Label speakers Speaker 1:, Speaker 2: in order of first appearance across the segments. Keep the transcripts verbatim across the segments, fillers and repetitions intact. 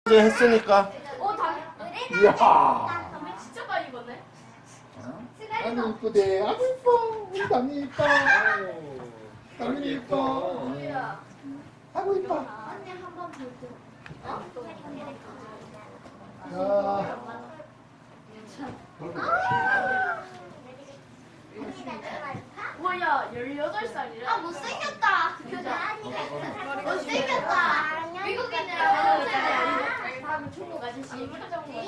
Speaker 1: 이제 했으니까.
Speaker 2: 어, 담배.
Speaker 3: 이야.
Speaker 2: 담배 진짜 많이 입었네.
Speaker 3: 아주 이쁘대. 아주 이뻐. 우리 담이 이뻐. 담이 이뻐.
Speaker 2: 뭐야?
Speaker 3: 아주 이뻐.
Speaker 2: 언니 한번 볼게. 어?
Speaker 3: 야.
Speaker 2: 뭐야, 열여덟 살이라?
Speaker 4: 아 못생겼다.
Speaker 2: 그죠?
Speaker 4: 못생겼다.
Speaker 2: 미국인이랑 다음 중국 아저씨 표정 봐.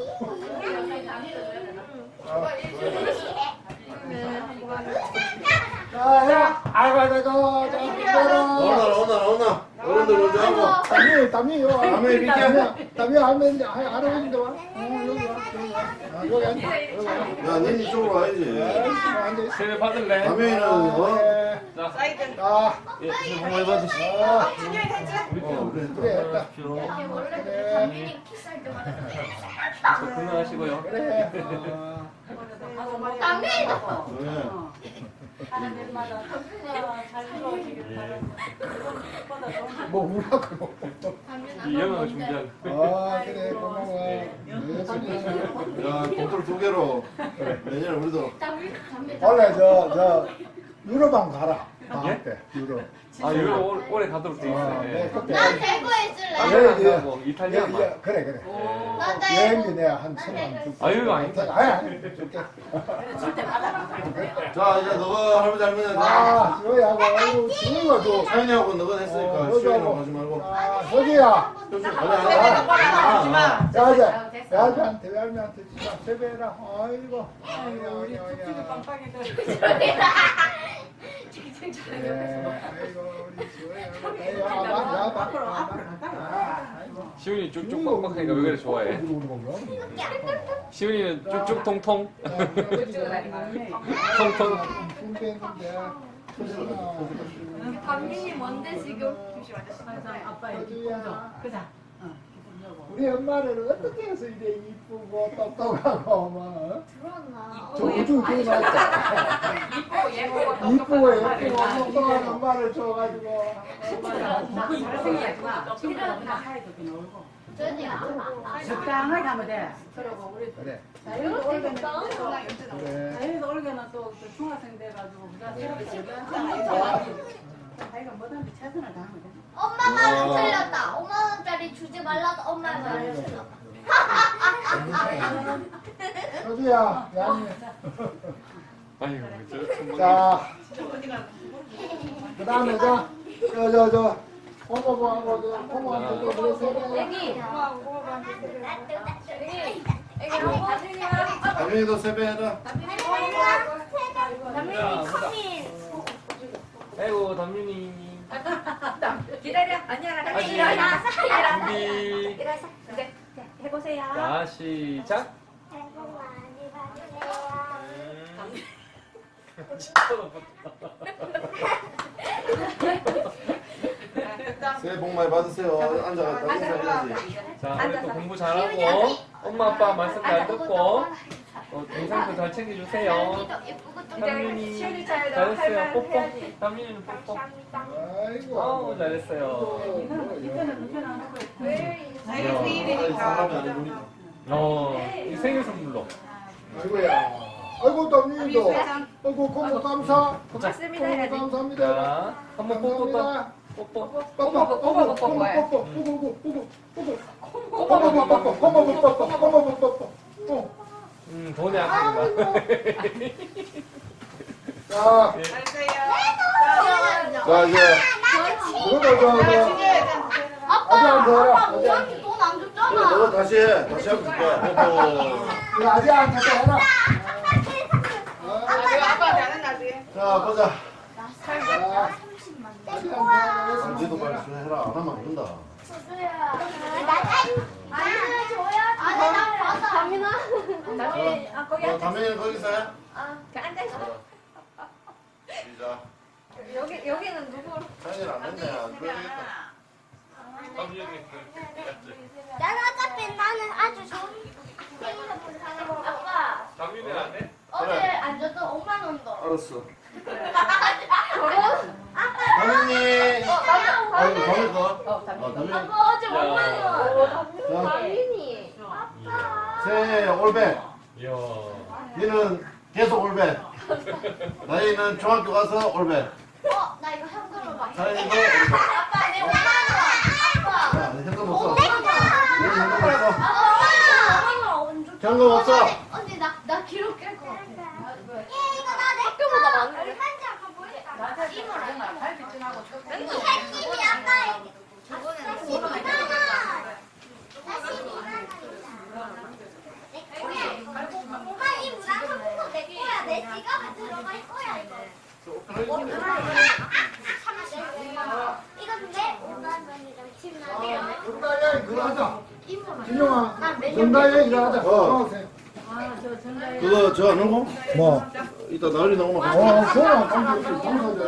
Speaker 3: 자, 해라. 아이고, 아이고, 아이고. 자,
Speaker 1: 오나
Speaker 3: 이거라.
Speaker 1: 오나 오나. 어른들 먼저 하고.
Speaker 3: 담이, 담이, 요.
Speaker 1: 담이 밑에.
Speaker 3: 담이 하면, 할아버지인데 와. 어, 여기 와. 여기 와. 아, 여기 앉아. 여기 와.
Speaker 1: 야, 니 이쪽으로 와야지.
Speaker 3: 앉아.
Speaker 5: 세배 받을래?
Speaker 1: 담에는 어?
Speaker 5: 자,
Speaker 3: 자,
Speaker 5: 예, 새해 복 많이 받으시고.
Speaker 3: 아,
Speaker 1: 어, 그래.
Speaker 3: 그래, 됐다.
Speaker 2: 이게 원래
Speaker 3: 그래.
Speaker 2: 담비님 키스할 때마다
Speaker 5: 건강하시고요.
Speaker 3: 그래. 어.
Speaker 2: 담비!
Speaker 1: 네.
Speaker 6: 하나님마다 덕분에 잘 이루어지길 바랍니다.
Speaker 3: 뭐 우라고.
Speaker 5: 이 영상을 준비한.
Speaker 3: 아, 그래, 고마워. 네, 소리.
Speaker 1: 야, 봉투를 두 개로. 내년에 우리도.
Speaker 2: 담비, 담비.
Speaker 3: 원래 저, 저, 유럽 한 가라. 방학 때, 유럽.
Speaker 5: 아, 이거 올- 올해 가도록 돼
Speaker 3: 아,
Speaker 5: 있어요.
Speaker 3: 네,
Speaker 5: 네.
Speaker 3: 그때.
Speaker 4: 난 대구에 있을래.
Speaker 5: 아,
Speaker 3: 예,
Speaker 5: 예,
Speaker 3: 예.
Speaker 5: 예. 뭐 이탈리아
Speaker 3: 예,
Speaker 5: 막.
Speaker 3: 예, 그래, 그래.
Speaker 5: 네.
Speaker 4: 난 대구.
Speaker 3: 여행비 내가 한 천만 원 줄게.
Speaker 5: 아유, 아니다.
Speaker 3: 아니, 아니, 줄게.
Speaker 1: 자, 이제 너가 할아버지 할머니한테.
Speaker 3: 아, 지호야하고, 아이고, 지호가 줘.
Speaker 1: 사연이하고 너가 했으니까
Speaker 3: 어,
Speaker 1: 시원이라고 하지 말고.
Speaker 3: 아, 서지야.
Speaker 1: 아니, 아니, 아니.
Speaker 3: 야, 자, 야한테, 외할매한테 진짜 세배해라. 아이고. 아이고,
Speaker 6: 우리
Speaker 3: 아이고,
Speaker 6: 뚝뚝이
Speaker 3: 아이고.
Speaker 6: 빵빵이들.
Speaker 3: 예, 아이고, 우리 지호야. 아이고, 아, 야,
Speaker 6: 앞으로,
Speaker 3: 아,
Speaker 6: 앞으로 가까이
Speaker 3: 아,
Speaker 6: 와.
Speaker 3: 아이고.
Speaker 5: 시훈이 쭉쭉 빡빡하니까 왜 그래 좋아해? 시훈이는 쭉쭉 통통. 통통.
Speaker 2: 담비님 뭔데 지금?
Speaker 6: 아빠 여기 공정. 그자.
Speaker 3: 우리 엄마를 어떻게 해서 이래 이쁘고 똑똑하고 뭐
Speaker 4: 들어왔나?
Speaker 3: 저 우주 교회 나왔다.
Speaker 6: 이쁘고 예쁘고
Speaker 3: 이쁘고 예쁘고 똑똑한 엄마를 줘가지고
Speaker 6: 잘생겼구나. 친구가 그냥 사이도 그냥 울고.
Speaker 4: 저니야.
Speaker 6: 적당하게 하면 돼.
Speaker 3: 그래 그래
Speaker 6: 자유도 올게는
Speaker 3: 그래
Speaker 6: 자유도 올게는 또 중학생 돼가지고 우리가 새롭게 자기가 뭐든지 최선을 다하면 돼.
Speaker 4: 엄마 말은 틀렸다. 오만 원짜리 주지 말라서 엄마 말은 틀렸다.
Speaker 3: 서주야 미안해.
Speaker 5: 아이고, 저 정말.
Speaker 3: 자 그다음에 저저저저 고모부하고 저 고모한테 또 그래서
Speaker 2: 애기. 애기 한번.
Speaker 1: 담임이도 세배해라.
Speaker 5: 자, 보자. 아이고, 담윤이.
Speaker 2: 기다려. 아니야, 나
Speaker 5: 아직.
Speaker 2: 기다려.
Speaker 5: 준비.
Speaker 2: 네, 해보세요.
Speaker 5: 자, 시작.
Speaker 1: 새해 복 많이 받으세요. 앉아가 인사해야지.
Speaker 5: 자, 우리 또 공부 잘하고, 엄마 아빠 말씀 잘 듣고, 어, 동생도 잘 챙겨주세요. 담윤이 잘했어요. 뽀뽀. 담윤이는 뽀뽀.
Speaker 3: 아이고
Speaker 5: 아우, 잘했어요.
Speaker 6: 이거는 이거는 누구나 하는 거야.
Speaker 1: 아니, 사람이 아니구나.
Speaker 5: 어, 이 생일 선물로.
Speaker 3: 아이고야 아이고 담임도 아이고 고모 감사
Speaker 2: 고맙습니다.
Speaker 3: 고모 감사합니다
Speaker 5: 자, 한번 뽀뽀 또. 뽀뽀.
Speaker 3: 뽀뽀 뽀뽀 뽀뽀 뽀뽀 뽀뽀 뽀뽀 뽀뽀 뽀뽀 뽀뽀 뽀뽀 뽀뽀
Speaker 5: 음, 돈이 아깝다.
Speaker 3: 자,
Speaker 1: 자, 이제.
Speaker 3: 이거도 저, 저, 아직 안 해라. 아직 안 해.
Speaker 4: 돈안
Speaker 1: 그래,
Speaker 4: 줬잖아.
Speaker 1: 너가 다시 해. 다시 하면 줄게. 뽀뽀.
Speaker 3: 이거 아직 안 해라.
Speaker 1: 자, 보자.
Speaker 3: 자, 아직 안 해라.
Speaker 1: sam지도 빨리 해라. 안 하면 안 된다.
Speaker 4: 아니 줘야. 아니 나 받아.
Speaker 2: 담민아. 담민, 아, 거기
Speaker 1: 어,
Speaker 2: 앉아.
Speaker 1: 담임이는 거기서 해.
Speaker 2: 아, 그 앉아있어.
Speaker 1: 시작.
Speaker 2: 여기, 여기는 누구?
Speaker 1: 사연이 안 됐네. 안 그러겠다.
Speaker 4: 난 어차피 나는 아주 좋은 생일을 본 사람이고. 아빠
Speaker 5: 담윤이 안 해?
Speaker 4: 어제
Speaker 1: 그래.
Speaker 4: 안 줬던 오만 원도.
Speaker 1: 알았어.
Speaker 2: 결혼?
Speaker 1: 담임이.
Speaker 4: 어,
Speaker 1: 아이고, 담임 거.
Speaker 2: 어, 담민.
Speaker 1: 어, 담임.
Speaker 4: 아빠 어제
Speaker 5: 야.
Speaker 4: 오만 원.
Speaker 1: 자, 세 올백.
Speaker 5: 이야.
Speaker 1: 니는 계속 올백. 나이는 중학교 가서 올백.
Speaker 4: 어, 나 이거 현금으로 막.
Speaker 1: 사연이도 올백.
Speaker 4: 아빠, 내 오만 원.
Speaker 1: 야, 니 현금 못 써.
Speaker 4: 아빠.
Speaker 1: 니 현금 못 써.
Speaker 4: 아빠.
Speaker 1: 현금 못 써.
Speaker 4: 언니, 나, 나 기록 깰 것 같아. 얘, 이거 나 내. 학교보다 많은데. 얼마인지 아까 보였다.
Speaker 6: 낮에 되면 갈비찜하고
Speaker 4: 이 핵심이 아까 저번에 십이만 원. 나 십이만 원이다. 내 거야. 엄마 이 물안경도 내 거야. 내 지갑에 들어갈 거야 이거. 이거 근데 오만 원이랑 칠만 원.
Speaker 3: 정다혜 그거 하자.
Speaker 4: 이모는.
Speaker 3: 진영아,
Speaker 4: 난 매년
Speaker 3: 정다혜 이거 하자.
Speaker 1: 어.
Speaker 6: 아저 전자에
Speaker 1: 그거 저 안 하고?
Speaker 3: 뭐?
Speaker 1: 이따 나을이 나오면
Speaker 3: 어, 그거는 좀 당사자.